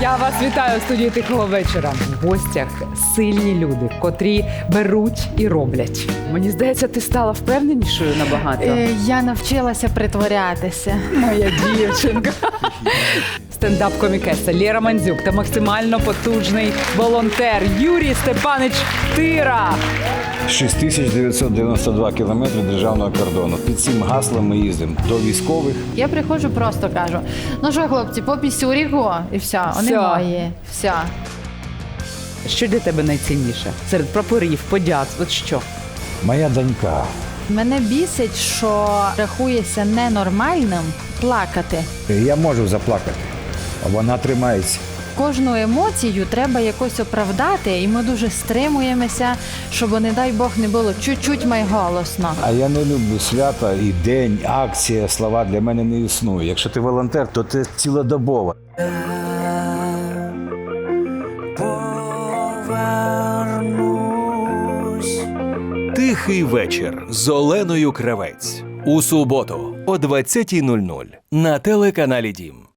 Я вас вітаю у студії «Тихого вечора». В гостях сильні люди, котрі беруть і роблять. Мені здається, ти стала впевненішою набагато. Я навчилася притворятися. Моя дівчинка. Стендап-комікеса Лєра Мандзюк та максимально потужний волонтер Юрій Степанич Тира. 6992 кілометри державного кордону. Під цим гаслом ми їздимо до військових. Я приходжу, просто кажу: ну що, хлопці, по пісюріку, і все, вони Все. мої. Все. Що для тебе найцінніше? Серед прапорів, подяк, от що? Моя донька. Мене бісить, що рахується ненормальним плакати. Я можу заплакати, а вона тримається. Кожну емоцію треба якось оправдати, і ми дуже стримуємося, щоб, не дай Бог, не було чуть-чуть майголосно. А я не люблю свята і день, акція, слова для мене не існує. Якщо ти волонтер, то ти цілодобово. Тихий вечір з Оленою Кравець. У суботу о 20:00 на телеканалі Дім.